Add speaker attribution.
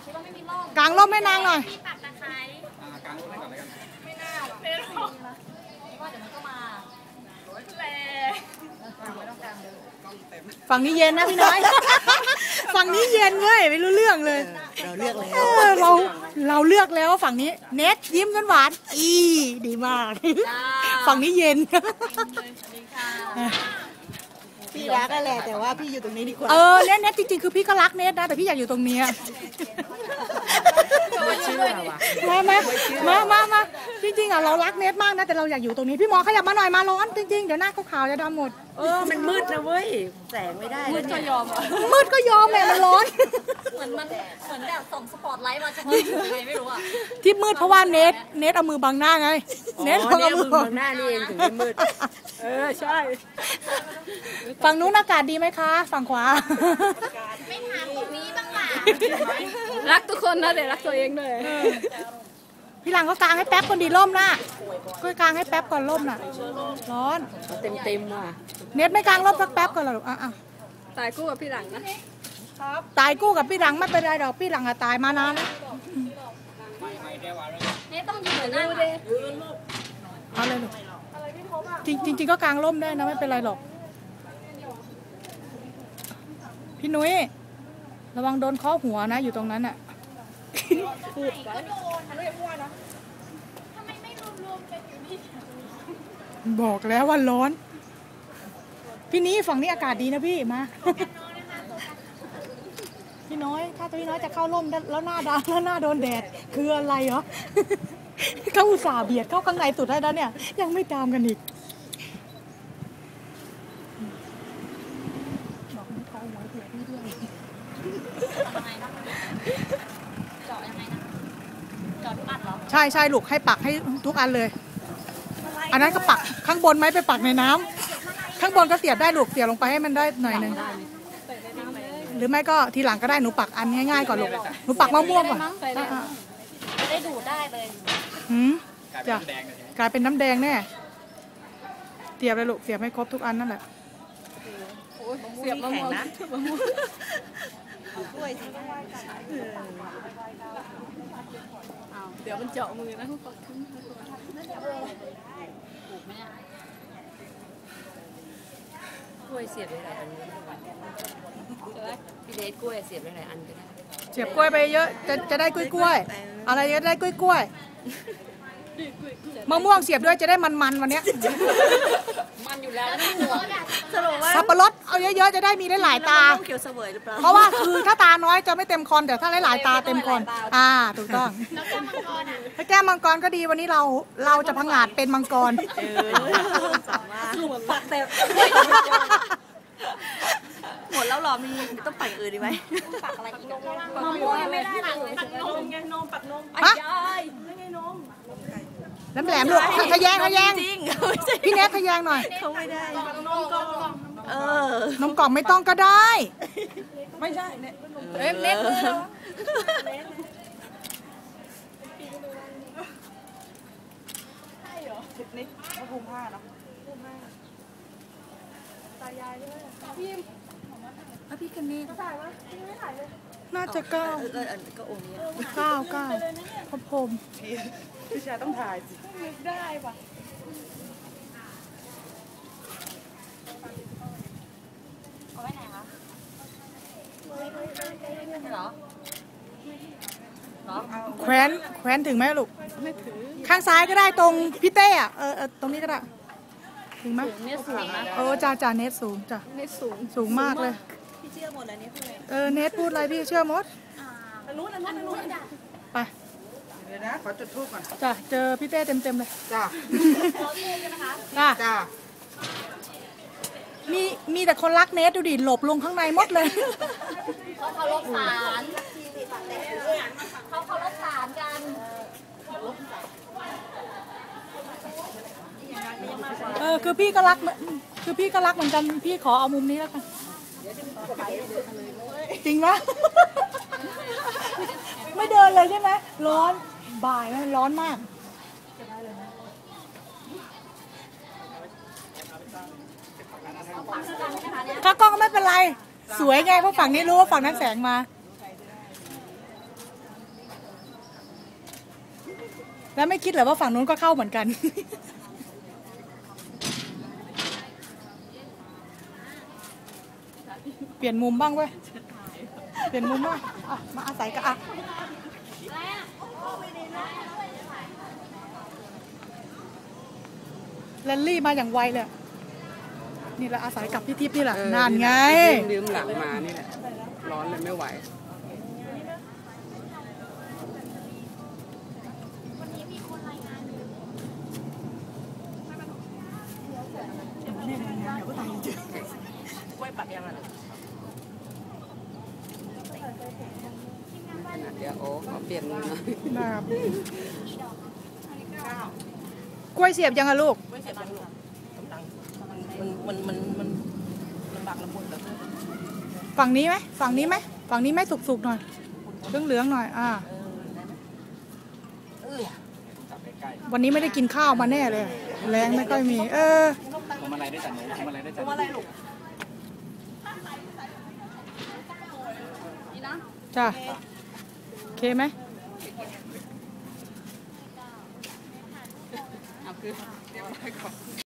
Speaker 1: คิดว่าไม่มีร่ม
Speaker 2: กางร่มให้นางหน่อย
Speaker 1: พี่ปักตะไคร้
Speaker 3: กางร่มให้ก่อนเลยกัน
Speaker 1: ไม่น่าหรอกไม่หรอกว่าเดี๋ยวมันก็มาแหละไม่ต้องกางเลย
Speaker 2: ฝั่งนี้เย็นนะพี่น้อย ฝั่งนี้เย็นเลยไม่รู้เรื่องเลย
Speaker 4: เราเลือกแล้ว
Speaker 2: เราเลือกแล้วฝั่งนี้เน็ตยิ้มกันหวานดีมากฝั่งนี้เย็น
Speaker 4: พี่รักกันแหละแต่ว่าพี่อยู่ตรงนี้ดีกว่า
Speaker 2: เน็ตจริงๆคือพี่ก็รักเน็ตนะแต่พี่อยากอยู่ตรงนี้มาจริงๆเรารักเน็ตมากนะแต่เราอยากอยู่ตรงนี้พี่หมอขยับมาหน่อยมาร้อนจริงๆเดี๋ยวหน้าขาวๆจะดำหมด
Speaker 4: มันมืดนะเว้ยแสงไม่ได้
Speaker 1: มืดก็ยอม
Speaker 2: มืดก็ยอมแหละมันร้อน
Speaker 1: เหมือนแบบส่งสปอตไลท์มาเฉพาะยังไงไม่รู้อ่ะ
Speaker 2: ที่มืดเพราะว่าเน็ตเอามือบังหน้าไง
Speaker 4: เน็ตเอามือบังหน้านี่เองถึงไม่มืด
Speaker 2: ใช่ฝั่งนู้นอากาศดีไหมคะฝั่งขวา
Speaker 1: ไม่ถามตรงนี้บ้างหล่ะ
Speaker 5: รักทุกคนนะแต่รักตัวเองด้วย
Speaker 2: พี่หลังก็กางให้แป๊บคนดีร่มนะก็กางให้แป๊บก่อนร่มน่ะร้อน
Speaker 4: เต็มว่ะ
Speaker 2: เน็ตไม่กางร่มสักแป๊บก่อนหรอ
Speaker 5: ตายคู่กับพี่หลังนะ
Speaker 2: ตายกู้กับพี่หลังไม่เป็นไรดอกพี่หลังตายมานานแล้ว
Speaker 1: นี่ต้องยืนนั่ง
Speaker 2: เอาเลยลูกจริงก็กางร่มได้นะไม่เป็นไรหรอกพี่นุ้ยระวังโดนเคาะหัวนะอยู่ตรงนั้นอ่ะพูดบอกแล้วว่าร้อนพี่นี้ฝั่งนี้อากาศดีนะพี่มาพี่น้อยถ้าพี่น้อยจะเข้าร่มแล้วหน้าดำแล้วหน้าโดนแดดคืออะไรเหรอเขาอุตส่าห์เบียดเข้าข้างในสุดได้แล้วเนี่ยยังไม่ตามกันอีกบอกไม่เขาไว้เผื่อพี่ด้วย
Speaker 1: เจาะยังไงนะเจาะทุกอันเหรอ
Speaker 2: ใช่ลูกให้ปักให้ทุกอันเลยอันนั้นก็ปักข้างบนไหมไปปักในน้ำข้างบนก็เสียบได้ลูกเสียบลงไปให้มันได้หน่อยนึงหรือไม่ก็ทีหลังก็ได้หนูปักอันง่ายๆก่อนลูกหนูปักมะม่วงก่อน
Speaker 1: จะได้ดูได้เลย
Speaker 2: จ้ะกลายเป็นน้ำแดงแน่เสียบเลยลูกเสียบให้ครบทุกอันนั่นแหละ
Speaker 5: เสียบมะม่วงนะเดี๋ยวมันเจาะมือนะ
Speaker 4: กล้วยเสียบได้หลายอันพี่เดชกล้วยเสียบได้หลายอันก็ได้
Speaker 2: เสียบกล้วยไปเยอะจะได้กล้วยอะไรจะได้กล้วยมะม่วงเสียบด้วยจะได้มันวันนี้
Speaker 4: มันอยู่แล้ว
Speaker 2: สับปะรดเอาเยอะๆจะได้มีได้หลายตาเพราะว่าคือถ้าตาน้อยจะไม่เต็มคอนแต่ถ้าหลายตาเต็มคอนถูกต้องถ้าแก้มมังกรก็ดีวันนี้เราจะพังงาดเป็นมังกร
Speaker 4: ปักแต่หมดแล้วหรอมีต้องปักอื่นดีไหม
Speaker 1: ปักอะไรอีก
Speaker 4: มะม่วงยังไม่ได้เลยปักนมไงนมปักนมไม่ใช่ไม่ไงนม
Speaker 2: น้ำแหลมลูกทะแยงพี่เน็ตทะแยงหน่อย
Speaker 4: เขาไม่ได้นมกล่อง
Speaker 2: นมกล่องไม่ต้องก็ได้
Speaker 4: ไม่ใช่เ
Speaker 1: น็ต
Speaker 4: นี่ก็ภูมิผ้าเนาะ
Speaker 2: ตายายด้วยพี่กันนี่น่าจะ9
Speaker 4: ก็โอนี้
Speaker 2: 9พระพรหม
Speaker 4: พี่ชายต้องถ่ายสิ
Speaker 1: ได้ป่ะเอาไว้ไหนคะเหรอ
Speaker 2: แขวนถึงไหมลูกไม่ถึงข้างซ้ายก็ได้ตรงพี่เต้ตรงนี้ก็ได้ถึงไหม
Speaker 5: เน็ตสูงนะ
Speaker 2: จ่าเน็ตสูงจ้ะ
Speaker 5: เน็ต
Speaker 2: สูงมากเลย
Speaker 4: พี่เชื่อหมดเลยเนี่ย
Speaker 2: เน็ตพูดอะไรพี่เชื่อหมด
Speaker 1: นู้น
Speaker 2: ไป
Speaker 4: เดี๋ยวนะขอจุดธูปก่อน
Speaker 2: จ้ะเจอพี่เต้เต็มเลย
Speaker 4: จ้ะ
Speaker 2: จ้ะมีแต่คนรักเน็ตดูดิหลบลงข้างในหมดเลย
Speaker 1: เขาเคารพศาลกัน
Speaker 2: คือพี่ก็รักเหมือนกันพี่ขอเอามุมนี้แล้วกันจริงปะไม่เดินเลยใช่ไหมร้อนบ่ายมันร้อนมากถ้ากล้องไม่เป็นไรสวยไงเพราะฝั่งนี้รู้ว่าฝั่งนั้นแสงมาแล้วไม่คิดเหรอว่าฝั่งนู้นก็เข้าเหมือนกัน เปลี่ยนมุมบ้างเว้ย เปลี่ยนมุมบ้างอ่ะมาอาศัยกันอ่ะแรลลี่มาอย่างไวเลย นี่แหละอาศัยกับพี่ทิพย์นี่แหละนานไง
Speaker 3: ลืมหลังมานี่แหละ ร้อนเลยไม่ไหว
Speaker 4: กล้วยปักยังไง
Speaker 3: เดี๋ยวโอ้ขอเปลี่ยนมือหน่อย
Speaker 2: นะครับกล้วยเสียบยังอะลูก
Speaker 4: กล้วยเสียบยังหลุดมันบักละมุนแบบ
Speaker 2: ฝั่งนี้ไหมฝั่งนี้ไหมฝั่งนี้ไหมสุกๆหน่อยเหลืองๆหน่อยวันนี้ไม่ได้กินข้าวมาแน่เลย แรงไม่ค่อยมี
Speaker 6: ทำอะไรได้แต่หนูทำอะไรได้แต่หนู
Speaker 4: อะไรลูก
Speaker 2: จ้ะโอเคไหม
Speaker 3: เอาคือเรียบร้อยก่อน